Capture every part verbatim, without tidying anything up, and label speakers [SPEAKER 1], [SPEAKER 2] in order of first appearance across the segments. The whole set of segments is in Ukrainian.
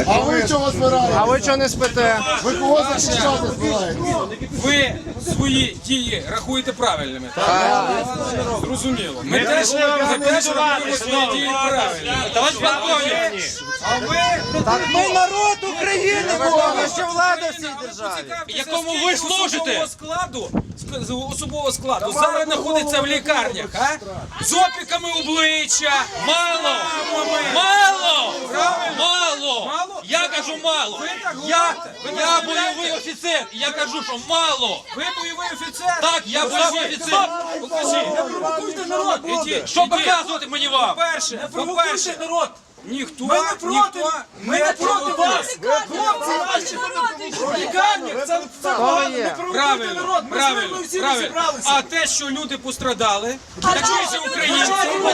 [SPEAKER 1] А ви чого збираєте?
[SPEAKER 2] А ви чого не спите?
[SPEAKER 1] Ви кого захищати збираєте?
[SPEAKER 3] Ви свої дії рахуєте правильними, так? Зрозуміло. Ми теж рахуємо свої дії правильними. Товариш полковник, а ви...
[SPEAKER 2] Так ми народ України, ми ще влада в цій державі.
[SPEAKER 3] Якому ви служите? Складу, з особового складу зараз знаходиться в лікарнях, а? З опіками обличчя.
[SPEAKER 4] Мало! Мало! Мало! Я кажу мало! Я, я бойовий офіцер, і я кажу, що мало!
[SPEAKER 3] Ви бойовий офіцер?
[SPEAKER 4] Так, я бойовий офіцер!
[SPEAKER 3] Покажіть. Не провокуйте народ, ідіть.
[SPEAKER 4] Що показувати мені вам?
[SPEAKER 3] По-перше, по-перше,
[SPEAKER 4] народ!
[SPEAKER 3] ніхто,
[SPEAKER 4] Ми не проти,
[SPEAKER 3] ніхто
[SPEAKER 4] ми не проти вас! Хлопці наші в лікарнях, це
[SPEAKER 2] Хто є?
[SPEAKER 3] Правильно, правильно, правильно. А те, що люди пострадали, також українці,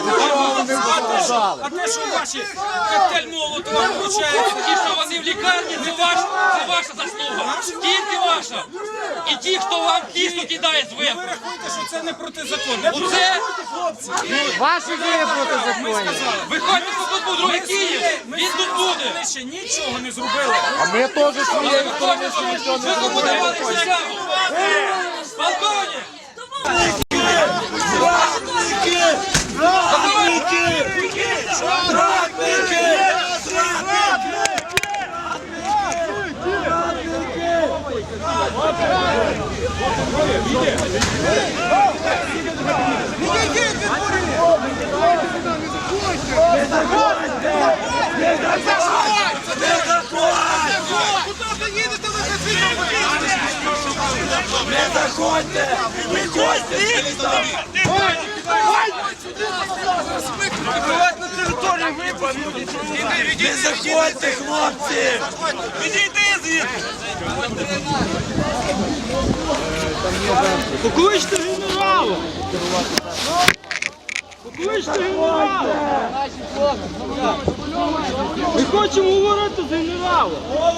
[SPEAKER 3] а те, що ваші коктейль Молотова вручають,
[SPEAKER 4] Ті, що вони в лікарні, це ваша, це ваша заслуга! Тільки ваша! І ті, хто вам кісту кидає
[SPEAKER 3] ви
[SPEAKER 4] зверху!
[SPEAKER 3] рахуєте, що це не протизаконно.
[SPEAKER 4] Оце,
[SPEAKER 2] Ваші дії проти законів.
[SPEAKER 4] виходьте, що тут буде другий Київ! Він тут буде!
[SPEAKER 3] Ми ще нічого не зробили.
[SPEAKER 2] А ми теж своєю
[SPEAKER 4] Виходьте, що ви кому давали присягу! Полковник!
[SPEAKER 5] Не заходьте! Виходьте! На територію випадку! Не заходьте, хлопці! Відійди звідси!
[SPEAKER 6] Покличте генерала! Покличте генерала! Ми хочемо говорити з генералом!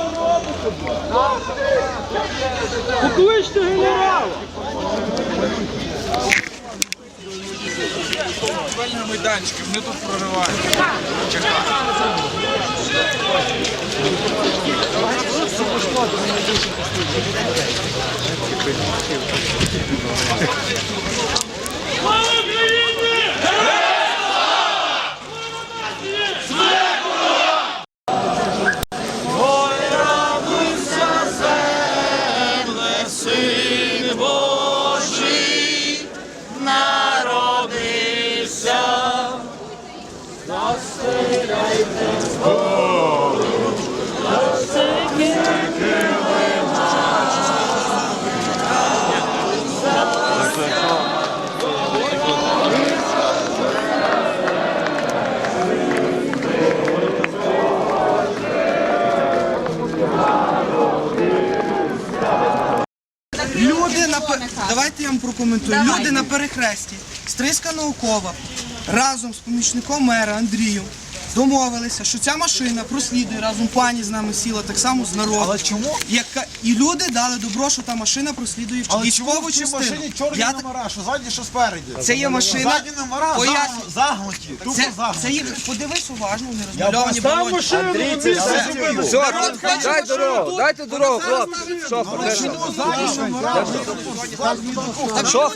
[SPEAKER 6] Покличте генерала!
[SPEAKER 3] На майданчики, вони тут проривають.
[SPEAKER 7] Люди на пер- Давайте я вам прокоментую. Люди на перехресті Стрийська наукова разом з помічником мера Андрієм домовилися, що ця машина прослідує разом, пані з нами сіла так само з народу.
[SPEAKER 5] Але чому?
[SPEAKER 7] Яка... І люди дали добро, що та машина прослідує в
[SPEAKER 5] Але чому
[SPEAKER 7] військову
[SPEAKER 5] в цій
[SPEAKER 7] частину.
[SPEAKER 5] машині чорні
[SPEAKER 7] Я...
[SPEAKER 5] номера, що ззаді, що спереді?
[SPEAKER 7] Це є машина.
[SPEAKER 5] Ззаді номера
[SPEAKER 7] Поясню.
[SPEAKER 5] загнуті, загнуті, тупо
[SPEAKER 7] Це,
[SPEAKER 5] загнуті.
[SPEAKER 7] це є... Подивись уважно, вони розмальовані
[SPEAKER 6] Там
[SPEAKER 7] балоні.
[SPEAKER 6] машину на місці зупинили!
[SPEAKER 2] Все, дай дорогу, дайте дорогу, хлопці. Шофер,
[SPEAKER 5] Ззаді номера,
[SPEAKER 2] шофер.